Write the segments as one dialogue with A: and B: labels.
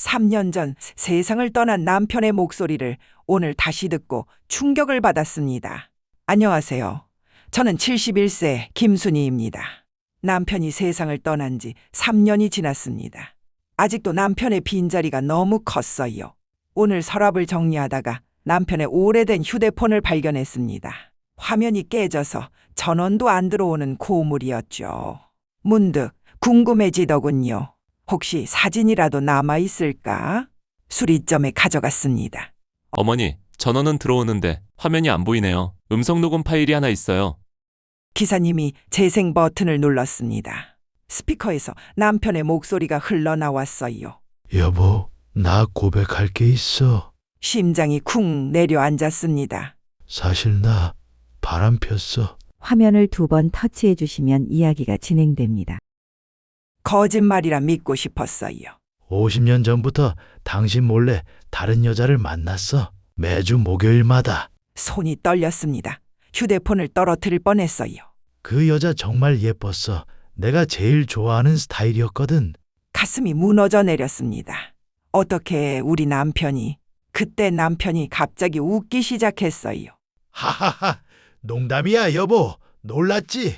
A: 3년 전 세상을 떠난 남편의 목소리를 오늘 다시 듣고 충격을 받았습니다. 안녕하세요. 저는 71세 김순희입니다. 남편이 세상을 떠난 지 3년이 지났습니다. 아직도 남편의 빈자리가 너무 컸어요. 오늘 서랍을 정리하다가 남편의 오래된 휴대폰을 발견했습니다. 화면이 깨져서 전원도 안 들어오는 고물이었죠. 문득 궁금해지더군요. 혹시 사진이라도 남아있을까? 수리점에 가져갔습니다.
B: 어머니, 전원은 들어오는데 화면이 안 보이네요. 음성 녹음 파일이 하나 있어요.
A: 기사님이 재생 버튼을 눌렀습니다. 스피커에서 남편의 목소리가 흘러나왔어요.
C: 여보, 나 고백할 게 있어.
A: 심장이 쿵 내려앉았습니다.
C: 사실 나 바람 폈어.
D: 화면을 2번 터치해 주시면 이야기가 진행됩니다.
A: 거짓말이라 믿고 싶었어요.
C: 50년 전부터 당신 몰래 다른 여자를 만났어. 매주 목요일마다.
A: 손이 떨렸습니다. 휴대폰을 떨어뜨릴 뻔했어요.
C: 그 여자 정말 예뻤어. 내가 제일 좋아하는 스타일이었거든.
A: 가슴이 무너져 내렸습니다. 어떻게 우리 남편이, 그때 남편이 갑자기 웃기 시작했어요.
C: 하하하, 농담이야 여보. 놀랐지?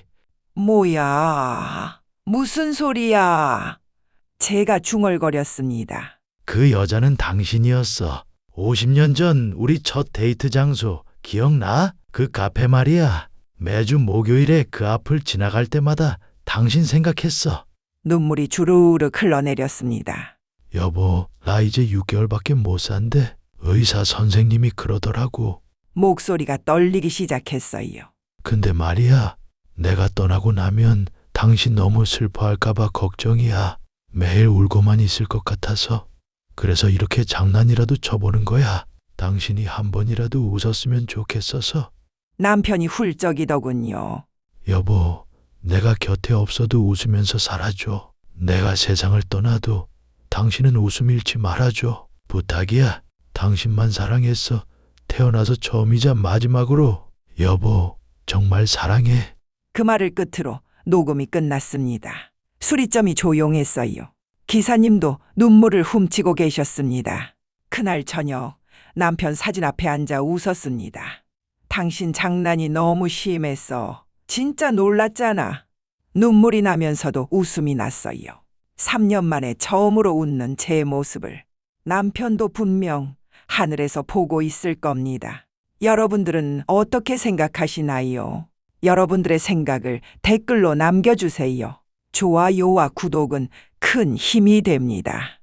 A: 뭐야, 무슨 소리야. 제가 중얼거렸습니다.
C: 그 여자는 당신이었어. 50년 전 우리 첫 데이트 장소 기억나? 그 카페 말이야. 매주 목요일에 그 앞을 지나갈 때마다 당신 생각했어.
A: 눈물이 주르륵 흘러내렸습니다.
C: 여보, 나 이제 6개월밖에 못 산대. 의사 선생님이 그러더라고.
A: 목소리가 떨리기 시작했어요.
C: 근데 말이야, 내가 떠나고 나면 당신 너무 슬퍼할까봐 걱정이야. 매일 울고만 있을 것 같아서. 그래서 이렇게 장난이라도 쳐보는 거야. 당신이 한 번이라도 웃었으면 좋겠어서.
A: 남편이 훌쩍이더군요.
C: 여보, 내가 곁에 없어도 웃으면서 살아줘. 내가 세상을 떠나도 당신은 웃음 잃지 말아줘. 부탁이야. 당신만 사랑했어. 태어나서 처음이자 마지막으로. 여보, 정말 사랑해.
A: 그 말을 끝으로 녹음이 끝났습니다. 수리점이 조용했어요. 기사님도 눈물을 훔치고 계셨습니다. 그날 저녁 남편 사진 앞에 앉아 웃었습니다. 당신 장난이 너무 심했어. 진짜 놀랐잖아. 눈물이 나면서도 웃음이 났어요. 3년 만에 처음으로 웃는 제 모습을 남편도 분명 하늘에서 보고 있을 겁니다. 여러분들은 어떻게 생각하시나요? 여러분들의 생각을 댓글로 남겨주세요. 좋아요와 구독은 큰 힘이 됩니다.